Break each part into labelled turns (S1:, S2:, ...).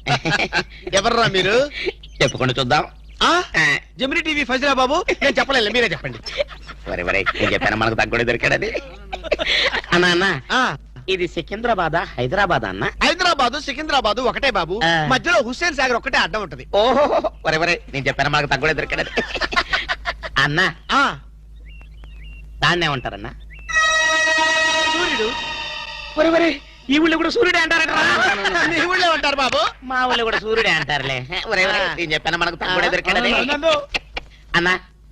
S1: ఎవర్రా మీరు?
S2: చెప్పుకుంటూ చూద్దాం.
S1: జమిని టీవీ ఫజిరా బాబు. నేను చెప్పలేదు, మీరే చెప్పండి.
S2: వరే వరే నేను చెప్పాను మనకు తగ్గుడే దొరికాడది. అన్నా అన్న, ఇది సికింద్రాబాద్ హైదరాబాద్ అన్న?
S1: హైదరాబాద్ సికింద్రాబాద్ ఒకటే బాబు, మధ్యలో హుస్సేన్ సాగర్ ఒకటే అడ్డం ఉంటది.
S2: ఓహో వరే వరే నేను చెప్పాను మనకు తగ్గుడే దొరికాడది. అన్న దాన్నే ఉంటారన్నా?
S1: సూర్యుడు.
S2: వరే వరే ఈ ఊళ్ళో కూడా సూర్యుడే అంటారట.
S1: మీ ఊళ్ళో ఉంటారు బాబు.
S2: మా ఊళ్ళో కూడా సూర్యుడే అంటారులే. వరే వరే నేను చెప్పాను మనకు తగ్గుడే దొరికాడది. అన్న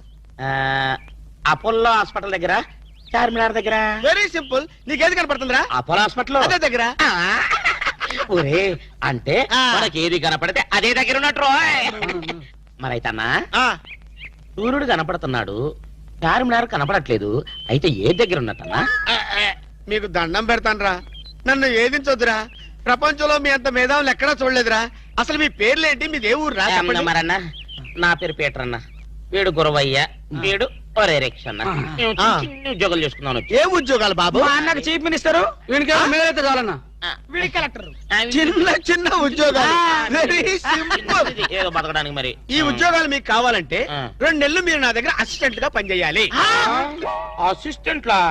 S2: అపోలో హాస్పిటల్ దగ్గర, చార్మినార్ దగ్గర.
S1: Very simple. నీకేది కనపడుతుందిరా?
S2: అపోలో హాస్పిటల్
S1: అదే దగ్గర.
S2: ఒరే అంటే మనకి ఏది కనపడితే అదే దగ్గర ఉన్నట్టు. మరైతే అన్నా సూర్యుడు కనపడుతున్నాడు, చార్మినార్ కనపడట్లేదు, అయితే ఏ దగ్గర ఉన్నట్టన్నా?
S1: మీకు దండం పెడతానురా, నన్ను ఏదించొద్దురా. ప్రపంచంలో మీ అంత మేధావులు ఎక్కడా చూడలేదురా. అసలు మీ పేర్లేంటి, మీది ఏ ఊరు రా?
S2: మరన్నా నా పేరు పీటర్ అన్న, వీడు గురవయ్య, వీడు ఒరే రిక్ష అన్న. ఉద్యోగాలు చేసుకున్నాను.
S1: ఏ ఉద్యోగాలు బాబు?
S3: అన్నకు చీఫ్ మినిస్టర్, వీడికి చాలన్నా
S1: కలెక్టర్. చిన్న చిన్న ఉద్యోగాలు, వెరీ సింపుల్.
S2: ఏదో బతకడానికి. మరి
S1: ఈ ఉద్యోగాలు మీకు కావాలంటే 2 నెలలు మీరు నా దగ్గర అసిస్టెంట్ గా పనిచేయాలి.
S2: అసిస్టెంట్ లా?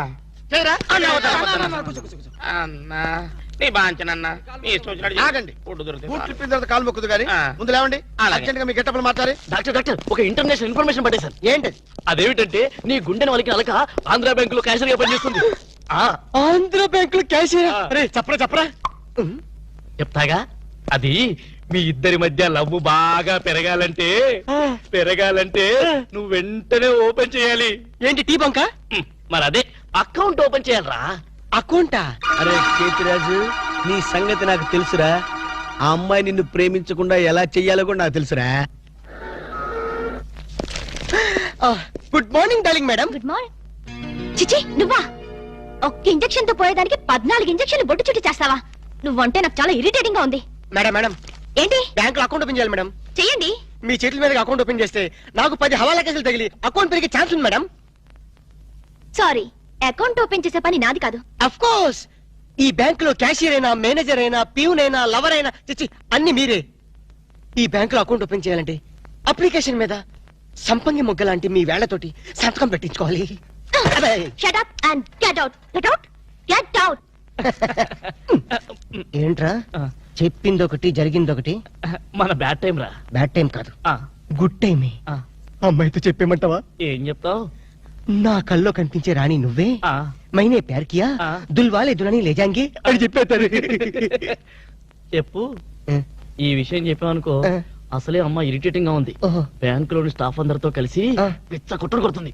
S2: అన్నా నీ బాంచనన్నా నీ ఇష్టం వచ్చినట్టు
S1: ఆగండి.
S2: ఫుడ్ దొరుకుతుంది.
S1: బూట్లు ఇప్పిన తర్వాత కాలు మొక్కుదు కానీ ముందు లేవండి. అర్జెంట్ గా మీ గెట్టపలు మాట్లాడి.
S3: డాక్టర్ ఒక ఇంటర్నేషనల్ ఇన్ఫర్మేషన్ పట్టేశారు.
S1: ఏంటి
S3: అదేమిటంటే నీ గుండెని వాళ్ళకి అలక ఆంధ్ర బ్యాంక్ లో క్యాషియర్ గా పనిచేస్తుంది. ఆంధ్ర బ్యాంక్ లో క్యాషియర్? అరే చెప్పరా చెప్తాగా. అది మీ ఇద్దరి మధ్య లవ్ బాగా పెరగాలంటే నువ్వు వెంటనే ఓపెన్ చేయాలి. ఏంటి టీ బంక? మరి అదే అకౌంట్ ఓపెన్ చేయాలరా. అకౌంటా?
S4: అరే కేతిరాజు, నీ సంగతి నాకు తెలుసురా. ఆ అమ్మాయి నిన్ను ప్రేమించకుండా ఎలా చెయ్యాలో కూడా నాకు తెలుసురా.
S1: Good morning darling madam.
S5: Good morning. చిచి నువ్వా? ఒక్క ఇంజెక్షన్ తో పోయేదానికి 14 ఇంజెక్షన్లు బొట్టు చుట్టి చేస్తావా? నువ్వంటే నాకు చాలా ఇరిటేటింగ్ గా ఉంది.
S1: మేడం
S5: ఏంటి?
S1: బ్యాంక్ లో అకౌంట్ ఓపెన్ చేయాలి మేడం.
S5: చెయ్యండి.
S1: మీ చేతుల మీద అకౌంట్ ఓపెన్ చేస్తే నాకు 10 హవాలా కేసులు తగిలి అకౌంట్ పెరిగే ఛాన్స్ ఉంది మేడం.
S5: సారీ, అకౌంట్ ఓపెన్ చేసే పని నాది కాదు.
S1: అఫ్ కోర్స్ ఈ బ్యాంక్ లో క్యాషియర్ అయినా, మేనేజర్ అయినా, ప్యూన్ అయినా, లవర్ అయినా, చిచ్చి అన్ని మీరే. ఈ బ్యాంక్ లో అకౌంట్ ఓపెన్ చేయాలంటే అప్లికేషన్ మీద సంపంగి మొగ్గ లాంటి మీ వేళ్లతోటి సంతకం పెట్టించుకోవాలి.
S5: Shut up and get out. Get out. Get out.
S1: ఏంట్రా చెప్పింది ఒకటి జరిగింది ఒకటి?
S3: మన బ్యాడ్ టైం రా.
S1: బ్యాడ్ టైం కాదు, గుడ్ టైమే. అమ్మాయితో చెప్పేమంటావా?
S3: ఏం చెప్తావు?
S1: నా కల్లో కనిపించే రాణి నువ్వే, మైనే ప్యార్ కియా, దుల్వాలే దుల్హనీ లే జాయేంగే అని చెప్పేస్తారు.
S3: చెప్పు. ఈ విషయం చెప్పావనుకో అసలే అమ్మ ఇరిటేటింగ్ గా ఉంది. బ్యాంక్ లోని స్టాఫ్ అందరితో కలిసి పిచ్చ కుట్ర కొడుతుంది.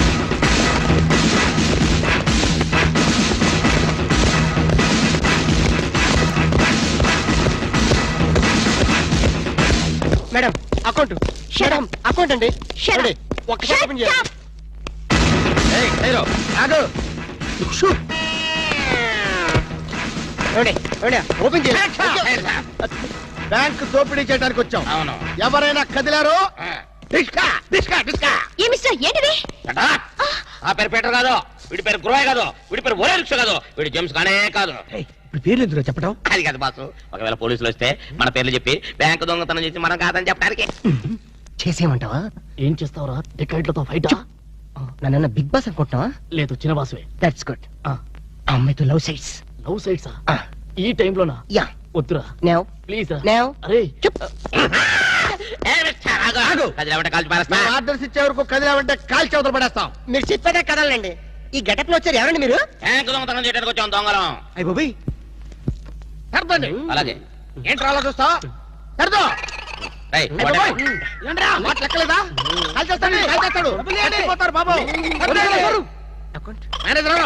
S3: Madam account. మేడం అకౌంట్ అండి. ఒక్కసారి ఓపెన్ చేయాలి. ఓపెన్ చేయాలి. బ్యాంక్ దోపిడీ చేయడానికి వచ్చాం.
S2: అవును.
S1: ఎవరైనా కదిలారో
S5: ఏంటిది?
S2: ఆ పేరు పీటర్ కాదు, వీడి పేరు గురవయ్య కాదు, వీడి పేరు ఒరే రిక్ష కాదు, వీడి జేమ్స్ కానే కాదు.
S1: ఇప్పుడు పేర్లు ఎందుకు చెప్పడం?
S2: అది కాదు బాసు, ఒకవేళ పోలీసులు వస్తే మన పేర్లు చెప్పి బ్యాంకు దొంగతనం చేసి మనం కాదని చెప్పడానికి.
S1: చేసేయమంటావా?
S3: ఏం చేస్తావురా? టికెట్లతో ఫైట్?
S1: నన్ను బిగ్ బాస్ అనుకుంటున్నావా?
S3: లేదు, చిన్న బాసువే.
S1: That's good. అమ్మాయితో లవ్ సైట్స్.
S3: లవ్ సైట్సా? ఈ టైంలోనా?
S1: యా.
S3: వద్దురా
S1: నౌ
S3: ప్లీజ్.
S1: నౌ.
S3: అరే
S1: ఆర్డర్స్ ఇచ్చే వరకు కదిలామంటే కాల్చి అవతల పడేస్తాం. మీరు చెప్పాక కదలండి. ఈ గెటప్ లో వచ్చారు ఎవరండి మీరు?
S2: బ్యాంకు దొంగతనం చేయడానికి వచ్చాం దొంగలం.
S1: అయ్య బాబోయ్, సర్దండి.
S2: అలాగే.
S1: ఏంట్రా అలా చూస్తా? సర్దో. లెక్కలేదా? కాల్చేస్తాడు. పోతారు బాబు. Manager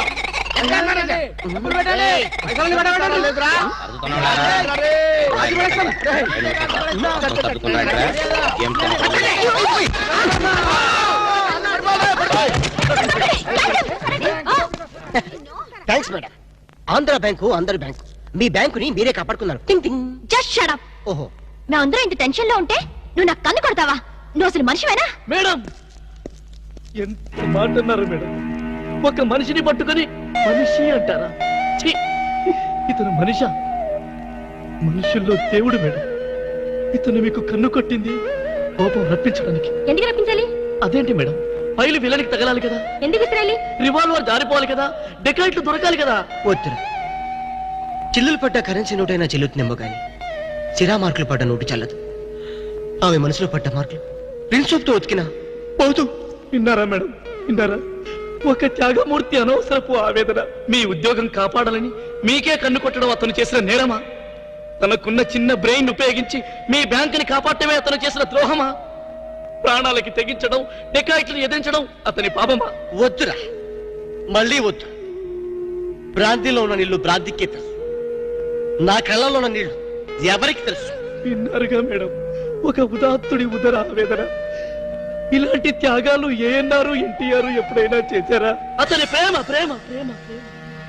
S1: thanks madam. Andhra bank అందరి బ్యాంకు. మీ బ్యాంకుని మీరే కాపాడుకున్నారు.
S5: Just shut up.
S1: ఓహో,
S5: మేమందరం ఇంత టెన్షన్ లో ఉంటే నువ్వు నాకు కన్ను కొడతావా? నువ్వు అసలు మనిషివేనా?
S3: మేడం ఎంత మాట అన్నారు మేడం. ఒక మనిషిని పట్టుకొని మనిషి అంటారా? ఇతను మనిషా? మనుషుల్లో దేవుడు మేడం. ఇతను మీకు కన్ను కొట్టింది కోపం రప్పించడానికి.
S5: ఎందుకు రప్పించాలి?
S3: అదేంటి మేడం, ఫైలు విలనికి తగలాలి కదా,
S5: ఎందుకు విసిరాలి?
S3: రివాల్వర్ జారిపోవాలి కదా, డెకాయిట్లు దొరకాలి కదా.
S1: వద్దురా, చిల్లులు పడ్డ కరెన్సీ నోటైనా చెల్లుతుందేమో గాని సిరా మార్కులు పడ్డ నోటు చల్లదు. ఆమె మనసులో పడ్డ మార్కులు ప్రిన్సోప్తో ఉతికినా పోదు.
S3: విన్నారా మేడం, విన్నారా? ఒక త్యాగమూర్తి అనవసరపు ఆవేదన. మీ ఉద్యోగం కాపాడాలని మీకే కన్ను కొట్టడం అతను చేసిన నేరమా? తనకున్న చిన్న బ్రెయిన్ ఉపయోగించి మీ బ్యాంకుని కాపాడటమే అతను చేసిన ద్రోహమా? ప్రాణాలకి తెగించడం, డెకాయిట్లను ఎదిరించడం అతని పాపమా?
S1: వద్దురా, మళ్ళీ వద్దు. భ్రాంతిలో ఉన్న నీళ్లు భ్రాంతికే తెలుసు, నా కళ్ళలో ఉన్న నీళ్లు ఎవరికి తెలుసు?
S3: విన్నారుగా మేడం, ఒక ఉదాత్తుడి ఉదర ఆవేదన. ఇలాంటి త్యాగాలు ఏఎన్ఆర్ ఎన్టీఆర్ ఎప్పుడైనా చేశారా? అతని ప్రేమ ప్రేమ ప్రేమ ప్రేమ,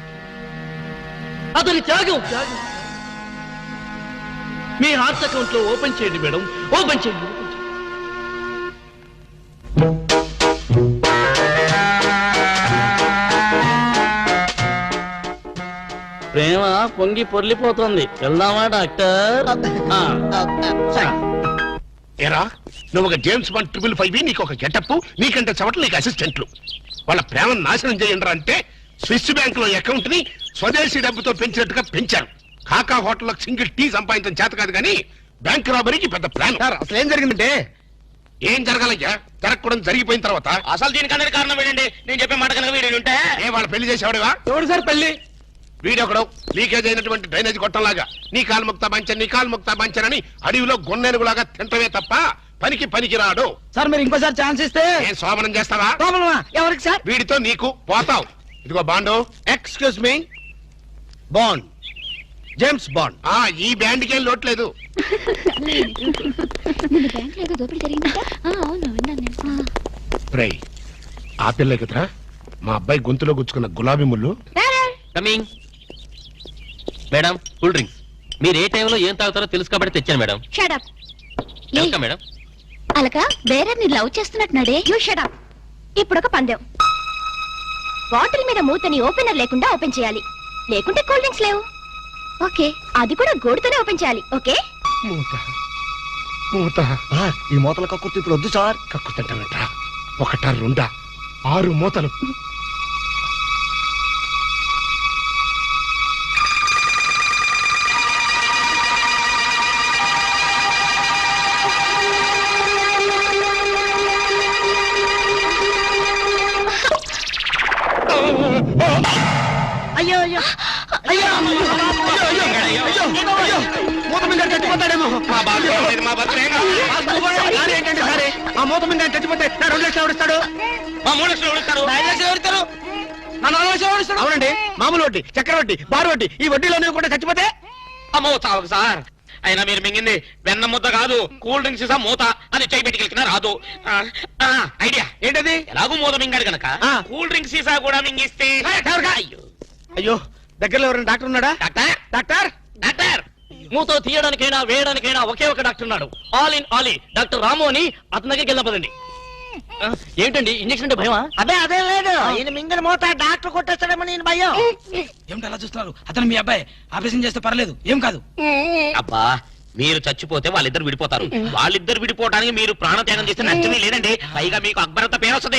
S3: అతని త్యాగం త్యాగం. మీ హార్ట్ అకౌంట్ లో ఓపెన్ చేయండి మేడం, ఓపెన్ చేయండి. ప్రేమ పొంగి పొర్లిపోతుంది. వెళ్దామా డాక్టర్?
S6: ఏరా, నువ్వు ఒక జేమ్స్ బాండ్ 555, నీకు ఒక గెటప్, నీకంటే చవట్లు నీకు అసిస్టెంట్లు. వాళ్ళ ప్రేమను నాశనం చేయండి అంటే స్విస్ బ్యాంక్ లో అకౌంట్ ని స్వదేశీ డబ్బుతో పెంచినట్టుగా పెంచారు. కాకా హోటల్లో సింగిల్ టీ సంపాదించడం చేత కాదు కానీ బ్యాంక్ రాబరీకి పెద్ద ప్లాన్.
S4: అసలు ఏం జరిగిందంటే,
S6: ఏం జరగాలయ్యా? జరగకూడదు జరిగిపోయిన తర్వాత
S2: అసలు దీనికన్నా కారణం ఏంటండి? నేను చెప్పే మాట కనుక వీడు ఉంటే
S6: ఏ వాళ్ళ పెళ్లి చేసేవాడుగా?
S4: ఎవడు సార్ పెళ్లి?
S6: వీడొకడు లీకేజ్ అయినటువంటి డ్రైనేజ్ గొట్టంలాగా నీ కాలు ముక్తా బంచన్, నీ కాలు ముక్తా బంచన్ అని అడవిలో గొన్నెనుగులాగా తింటమే తప్ప పనికి రాడు.
S4: సార్ మీరు ఇంకోసారి ఛాన్స్ ఇస్తే
S6: ఏం శోభనం చేస్తావా?
S4: ఎవరికి సార్?
S6: వీడితో నీకు పోతావు. ఇదిగో bond.
S4: Excuse me, bond, James Bond.
S6: ఈ బ్యాండ్కి ఏం లోట్లేదు.
S5: నిన్న బ్యాంక్ లో దోపిడీ జరిగిందంట. అవును, విన్నాను నేను.
S6: రై, ఆ పిల్ల కదరా మా అబ్బాయి గొంతులో గుచ్చుకున్న గులాబీ ముళ్ళు.
S7: కమింగ్. Madam, cool drinks. మీరు ఏ టైంలో ఏం తాగుతారో తెలుసు కాబట్టి తెచ్చాను madam.
S5: Shut up.
S7: Welcome madam.
S5: Alaka వేరే ని లవ్ చేస్తున్నట్టున్నాడే. You shut up. ఇప్పుడు ఒక పందెం. బాటిల్ మీద మూతని ఓపెనర్ లేకుండా ఓపెన్ చేయాలి, లేకుంటే కూల్ డ్రింక్స్ లేవు. ఓకే, అది కూడా గోడుతోనే ఓపెన్ చేయాలి. ఓకే?
S6: మూత
S4: ఈ మూతల కక్కుర్తి ఇప్పుడు వద్దు సార్.
S6: కక్కుతంటానంట. ఒకటా రెండా 6 మూతలు.
S4: అయ్యో అయ్యో అయ్యో మూత మీద చచ్చిపోతాడేమో.
S6: మా బాగా మా భద్రం
S4: ఏంటంటే సరే, ఆ మూత మీద చచ్చిపోతే నా 2 లక్షలు ఎవరిస్తాడు?
S2: మా 3 లక్షలు ఎవరిస్తారు?
S4: 5 లక్షలు ఎవరిస్తారు? నా 4 లక్షలు ఎవరిస్తాడు? అవునండి, మామూలు వడ్డీ, చక్కెర వడ్డీ, బారు వడ్డీ, ఈ వడ్డీలో నువ్వు కూడా చచ్చిపోతే
S2: అమ్మో చావకు సార్. అయినా మీరు మింగింది వెన్న ముద్ద కాదు, కూల్ డ్రింక్స్ సీసా మూత. అది చేయి పెట్టుకెళ్ళినా రాదు. ఐడియా
S4: ఏంటది?
S2: ఎలాగూ మూత మింగాడు గనక కూల్ డ్రింక్స్ సీసా కూడా మింగిస్తే. అయ్యో
S4: అయ్యో, దగ్గరలో ఎవరైనా డాక్టర్ ఉన్నాడా?
S2: Doctor,
S4: doctor
S2: doctor.
S3: మూతో తీయడానికైనా వేయడానికైనా ఒకే ఒక డాక్టర్ ఉన్నాడు. All in all, doctor Ramu అని. అతని దగ్గరికి వెళ్దాం పదండి. ఏంటండి ఇంజక్షన్ అంటే భయమా?
S4: అదే లేదు, ఈయన మింగిన మూత డాక్టర్ కొట్టేస్తాడేమో నేను భయం.
S8: ఏమిటి అలా చూస్తున్నారు? అతను మీ అబ్బాయి, ఆపరేషన్ చేస్తే పర్లేదు, ఏం కాదు.
S2: అబ్బా, మీరు చచ్చిపోతే వాళ్ళిద్దరు విడిపోతారు. వాళ్ళిద్దరు విడిపోవడానికి మీరు ప్రాణత్యాగం చేస్తే నష్టమే లేదండి. పైగా మీకు అక్బరంత పేరు వస్తుంది.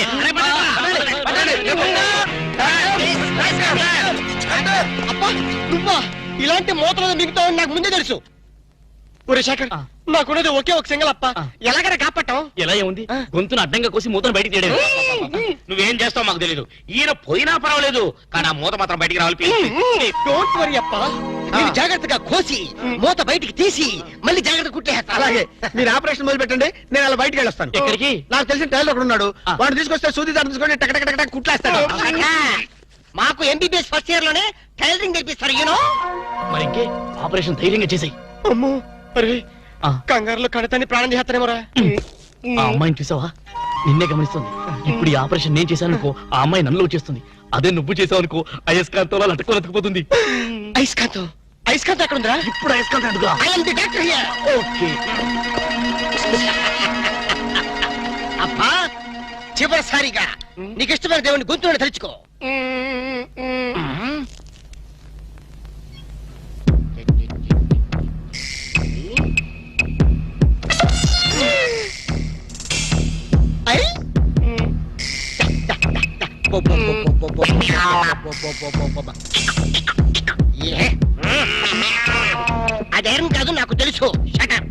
S1: అబ్బా, నువ్వా? ఇలాంటి మూతలు మిగతావని నాకు ముందే తెలుసు. ఒరే శేఖర్, నాకున్నది ఒకే ఒక సింగల్ అప్ప. ఎలాగైనా కాపాటం.
S3: ఎలా ఏముంది, గొంతును అడ్డంగా కోసి మూతను బయటికి తీయడం.
S2: నువ్వేం చేస్తావు మాకు తెలీదు. ఈయన పోయినా పర్వాలేదు, కానీ ఆ మూత మాత్రం బయటికి రావాలి.
S1: డోంట్ వరీ అప్ప, నేను జాగ్రత్తగా కోసి మూత బయటికి తీసి మళ్ళీ జాగ్రత్త కుట్టేస్తా.
S4: అలాగే, మీరు ఆపరేషన్ మొదలు పెట్టండి, నేను అలా బయటికి వెళ్ళొస్తాను.
S3: ఎక్కడికి?
S4: నాకు తెలిసిన టైలర్ ఒకడు ఉన్నాడు, వాడు తీసుకొస్తే సూది దాన్ని తీసుకొని టక్ టక్ టక్ టక్ కుట్లేస్తాడు.
S1: మాకు ఎంబీబీఎస్ ఫస్ట్ ఇయర్ లోనే టైలరింగ్ నేర్పిస్తారు. యూనో.
S3: మరి ఇంకే ఆపరేషన్ ధైర్యంగా చేసాయి.
S1: అమ్మో, అరే కంగారులో కడతాన్ని ప్రాణం చేస్తానేమోరా.
S3: ఆ అమ్మాయిని చూసావా? నిన్నే గమనిస్తుంది. ఇప్పుడు ఈ ఆపరేషన్ నేను చేశాను అనుకో, ఆ అమ్మాయి నన్ను చేస్తుంది. అదే నువ్వు చేసావు అనుకో, అయస్కాంతంలో లట్టుకోలేకపోతుంది.
S1: ఐస్కాంతం, ఐస్కాంతం ఎక్కడ ఉందిరా?
S3: ఇప్పుడు అయస్కాంతం అడుగుదా?
S1: I am the doctor here.
S3: Okay.
S1: అబ్బా, చివరిసారిగా నీకు ఇష్టమైన దేవుని గొంతులను తలుచుకో. అదేం కాదు నాకు తెలుసు. షటర్.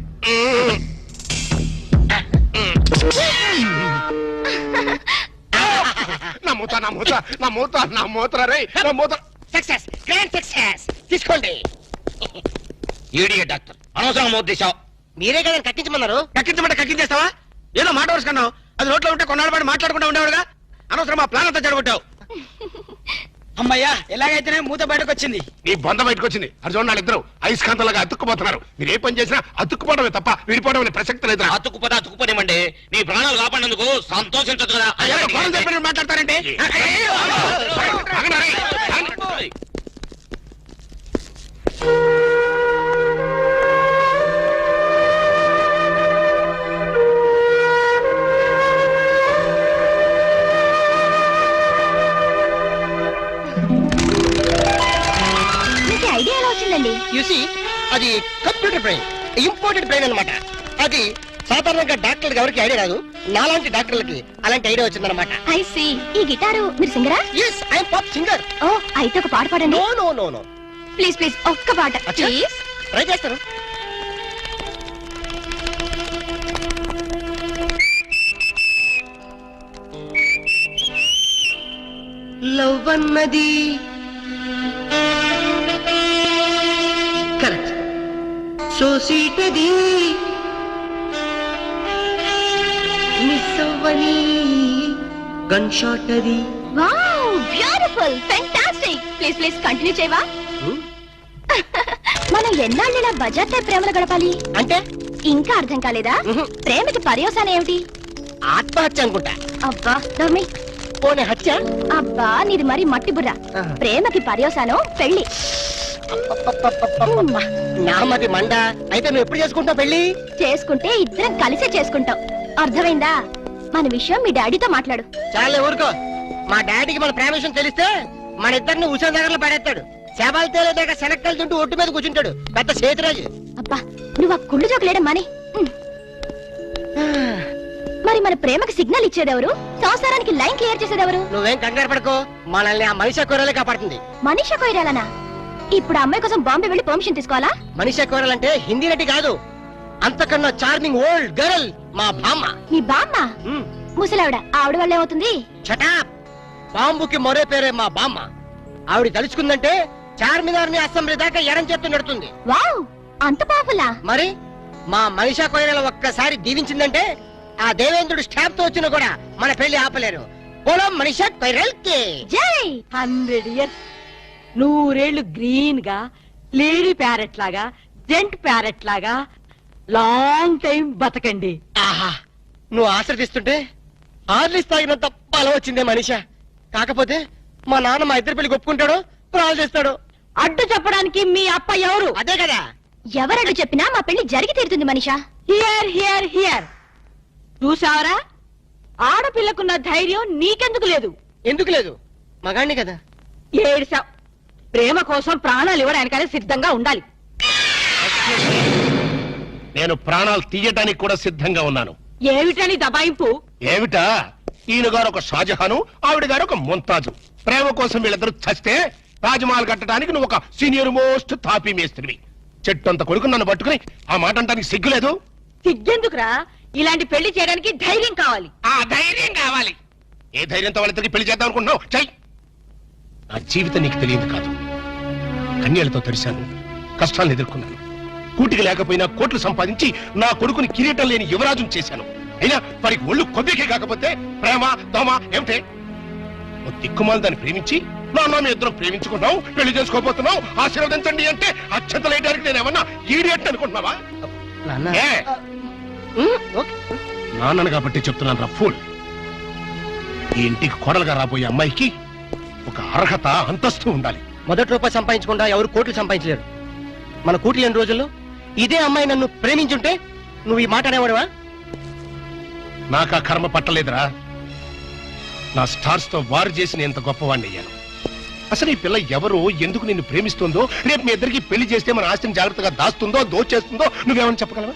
S6: నా మూత రే నా మూత.
S1: Success, grand success. తీసుకోండి.
S2: ఈడియట్ డాక్టర్, అనవసరంగా మోత తీసావు.
S1: మీరే కదా కక్కించమన్నారు.
S4: కక్కించమంటే కక్కించేస్తావా? ఏదో మాట వరుసుకున్నావు, అది నోట్లో ఉంటే కొన్నాళ్ళ పాటు మాట్లాడకుండా ఉండేవాడుగా. అనవసరం మా ప్లాన్ అంతా జరగొట్టావు.
S8: అమ్మయ్యా, ఎలాగైతేనే మూత బయటకు వచ్చింది.
S6: నీ బొంద బయటకు వచ్చింది. అది చూడండి, వాళ్ళిద్దరు అయస్కాంతలాగా అతుక్కుపోతున్నారు. మీరు ఏ పని చేసినా అతుక్కుపోవడమే తప్ప విడిపోవడం అనే ప్రసక్తి లేదు.
S2: అతుక్కుపోనివ్వండి. నీ ప్రాణాలు కాపాడినందుకు సంతోషించదు కదా.
S4: మాట్లాడతారంటే
S5: మీకు ఐడియా ఎలా వచ్చిందండి?
S1: యూసి అది కంప్యూటర్ బ్రెయిన్, ఇంపోర్టెడ్ బ్రెయిన్ అన్నమాట. అది సాధారణంగా డాక్టర్లకు ఎవరికి ఐడియా రాదు. నాలాంటి డాక్టర్లకి అలాంటి ఐడియా వచ్చిందన్నమాట.
S5: I see. ఈ గిటారు మీరు సింగరా?
S1: Yes, I'm pop singer.
S5: Oh, అయితే ఒక పాట పాడండి.
S1: No no no no.
S5: Please please, ఒక్క పాట
S1: అచ్చా.
S5: ప్లీజ్.
S1: ట్రై చేస్తాను. లవ్ అన్నది కరెక్ట్, సో స్వీట్ అది మిస్ అవ్వని గన్ షాట్ అది.
S5: Wow, beautiful, fantastic. Please please continue చేయవా? మనం ఎన్నాళ్ళ బజార్తో ప్రేమలు గడపాలి
S1: అంటే
S5: ఇంకా అర్థం కాలేదా?
S1: మ్హూ.
S5: ప్రేమకి పర్యవసానం ఏమిటి?
S1: ఆత్మహత్య అనుకుంటా.
S5: అబ్బా నవ్మి.
S1: పోనీ హత్య.
S5: అబ్బా నీది మరి మట్టి బుర్ర.
S1: ఆహా.
S5: ప్రేమకి పర్యవసానం పెళ్లి.
S1: అబ్బబ్బబ్బబ్బబ్బబ్బ. నామది మండ. అయితే నువ్వు ఎప్పుడు చేసుకుంటావు పెళ్లి?
S5: చేసుకుంటే ఇద్దరం కలిసే చేసుకుంటాం. అర్థమైందా? మన విషయం మీ డాడీతో మాట్లాడు.
S1: చాలే ఊరుకో. మా డాడీకి మన ప్రేమ విషయం తెలిస్తే మన ఇద్దరిని ఉషా నగర్లో పడేస్తాడు. శవాలు తేలేదాకా శనక్కలు తింటూ ఒట్టు మీద కూర్చుంటాడు. పెద్ద చేతిరాజు.
S5: అబ్బా నువ్వు ఆ కుళ్ళు జోకులేయడం మాని. మరి మన ప్రేమకి సిగ్నల్ ఇచ్చేదెవరు? సంసారానికి లైన్ క్లియర్ చేసేదెవరు?
S1: నువ్వేం కంగారు పడకో. మనల్ని ఆ మనిషి కూరలే కాపాడుతుంది.
S5: మనీషా కొయిరాలనా? ఇప్పుడు ఆ అమ్మాయి కోసం బాంబే వెళ్ళి పర్మిషన్ తీసుకోవాలా?
S1: మనిషి కూరలంటే హిందీ నటి కాదు, అంతకన్నా చార్మింగ్ ఓల్డ్ గర్ల్ మా బామ్మ.
S5: మీ బామ్మ? ముసలావిడ. ఆవిడ వల్ల ఏమవుతుంది?
S1: చటాప్. బాంబుకి మరో పేరే మా బామ్మ. ఆవిడ తలుచుకుందంటే చార్మినార్ ని అసెంబ్లీ దాకా ఎరం చేత్తు నడుతుంది.
S5: వావ్, అంత పాపులా?
S1: మరి మా మనిషా కొయిరల ఒక్కసారి దీవించిందంటే ఆ దేవేంద్రుడు స్టాప్ తో వచ్చినా కూడా మన పెళ్లి ఆపలేరు. పొలం మనిషా కొయిరల్ కి
S5: జై.
S9: 100 ఇయర్స్, 100 గ్రీన్ గా, లేడీ ప్యారెట్ లాగా, జెంట్ ప్యారెట్ లాగా లాంగ్ టైం బతకండి.
S1: ఆహా, నువ్వు ఆశ్రదిస్తుంటే హార్లిస్ తాగినంత బలం వచ్చిందే మనిషా. కాకపోతే మా నాన్న మా ఇద్దరు పెళ్లి ఒప్పుకుంటాడో ప్రాణాలు చేస్తాడు.
S9: అడ్డు చెప్పడానికి మీ అప్ప ఎవరు?
S1: అదే కదా.
S5: ఎవరడ్డు చెప్పినా మా పెళ్లి జరిగి తీరుతుంది మనిషా.
S9: Hear hear hear. చూసావరా, ఆడపిల్లకున్న ధైర్యం నీకెందుకు లేదు?
S1: ఎందుకు లేదు? మగాణ్ణి కదా.
S9: ఏడిసావ్. ప్రేమ కోసం ప్రాణాలు ఇవ్వడానికనే సిద్ధంగా ఉండాలి.
S6: నేను ప్రాణాలు తీయటానికి కూడా సిద్ధంగా ఉన్నాను.
S9: ఏమిటని దబాయింపు?
S6: ఏమిటా? ఈయన గారు ఒక షాజహాను, ఆవిడ గారు ఒక ముంతాజు. ప్రేమ కోసం వీళ్ళిద్దరూ చస్తే తాజ్మహల్ కట్టడానికి నువ్వు ఒక సీనియర్ మోస్ట్ తాపీ మేస్త్రివి. చెట్టు అంత కొడుకు నన్ను పట్టుకుని ఆ మాట అంటానికి సిగ్గులేదు?
S9: సిగ్గెందుకురా? ఇలాంటి పెళ్లి చేయడానికి ధైర్యం కావాలి.
S6: ఆ ధైర్యం కావాలి. ఏ ధైర్యంతో వాళ్ళిద్దరికి పెళ్లి చేద్దాం అనుకుంటున్నావు? చెయ్. నా జీవితం నీకు తెలియదు కాదు. కన్యలతో తడిశాను, కష్టాలను ఎదుర్కొన్నాను. కూటికి లేకపోయినా కోట్లు సంపాదించి నా కొడుకుని కిరీటం లేని యువరాజును చేశాను. అయినా వారికి ఒళ్ళు కొద్దికే కాకపోతే ప్రేమ దోమ ఏమిటే? ఓ దిక్కుమాలు దాన్ని ప్రేమించి నాన్న మీ ఇద్దరం ప్రేమించుకున్నావు, పెళ్లి చేసుకోబోతున్నావు, ఆశీర్వదించండి అంటే అక్షతలేయడానికి నేను ఏమన్నా ఈడియట్ అనుకుంటున్నావా? ఏ? నాన్నను కాబట్టి చెప్తున్నాను రా ఫూల్. ఈ ఇంటికి కోడలుగా రాబోయే అమ్మాయికి ఒక అర్హత అంతస్తు ఉండాలి.
S1: మొదటి రూపాయి సంపాదించకుండా ఎవరు కోట్లు సంపాదించలేరు. మన కూటి లేని రోజుల్లో ఇదే అమ్మాయి నన్ను ప్రేమించుంటే నువ్వు ఈ మాట అనేవాడువా?
S6: నాకు ఆ కర్మ పట్టలేదురా. నా స్టార్స్ తో వారు చేసిన ఎంత గొప్పవాణ్ణి అయ్యాను. అసలు ఈ పిల్ల ఎవరు, ఎందుకు నిన్ను ప్రేమిస్తుందో, రేపు మీ ఇద్దరికి పెళ్లి చేస్తే మన ఆస్తిని జాగ్రత్తగా దాస్తుందో దోచేస్తుందో నువ్వేమని చెప్పగలవా?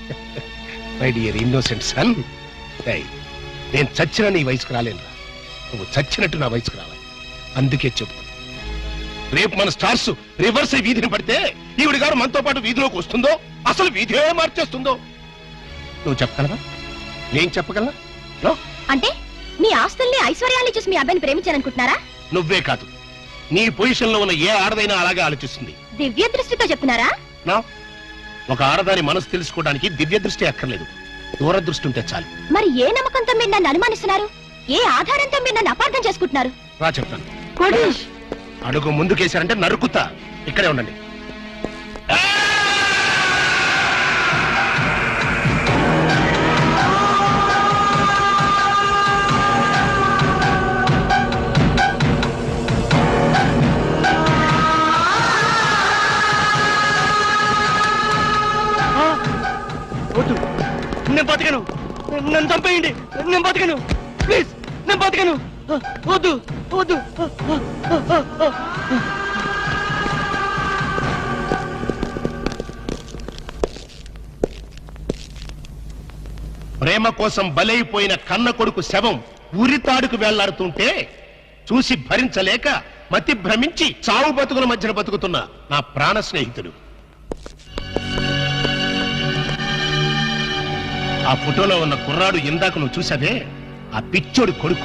S6: మై డియర్ ఇన్నోసెంట్ సన్, నేను చచ్చిన నీ వయసుకు రాలేనురా. నువ్వు చచ్చినట్టు నా వయసుకు రావాలి. అందుకే చెప్తాను, రేపు మన స్టార్స్ రివర్స్ అయి వీధిని పడితే ఈవిడ గారు మనతో పాటు వీధిలోకి వస్తుందో, అసలు వీధే మార్చేస్తుందో. నువ్వు చెప్పగలవా? నేను చెప్పగలనా? నో.
S5: అంటే మీ ఆస్తుల్ని ఐశ్వర్యాన్ని చూసి మీ అబ్బాయిని ప్రేమించాలనుకుంటున్నారా?
S6: నువ్వే కాదు, నీ పొజిషన్ లో ఉన్న ఏ ఆడదైనా అలాగే ఆలోచిస్తుంది.
S5: దివ్య దృష్టితో చెప్తున్నారా?
S6: నా ఒక ఆడదాని మనసు తెలుసుకోవడానికి దివ్య దృష్టి అక్కర్లేదు, దూరదృష్టి ఉంటే చాలు.
S5: మరి ఏ నమ్మకంతో మీరు నన్ను అనుమానిస్తున్నారు? ఏ ఆధారంతో మీరు నన్ను అపార్థం చేసుకుంటున్నారు?
S6: రా చెప్తాను.
S9: కోటేష్
S6: అడుగు ముందుకేశారంటే నరుకుతా. ఇక్కడే ఉండండి.
S1: వద్దు, నేను బతకను. నన్ను చంపేయండి, నేను బతకను. ప్లీజ్, నేను బతకను. వద్దు వద్దు.
S6: ప్రేమ కోసం బలైపోయిన కన్న కొడుకు శవం ఉరితాడుకు వేళ్లాడుతుంటే చూసి భరించలేక మతి భ్రమించి చావు బతుకుల మధ్యన బతుకుతున్న నా ప్రాణ స్నేహితుడు. ఆ ఫోటోలో ఉన్న కుర్రాడు ఇందాక నువ్వు చూసావే, ఆ పిచ్చోడు కొడుకు.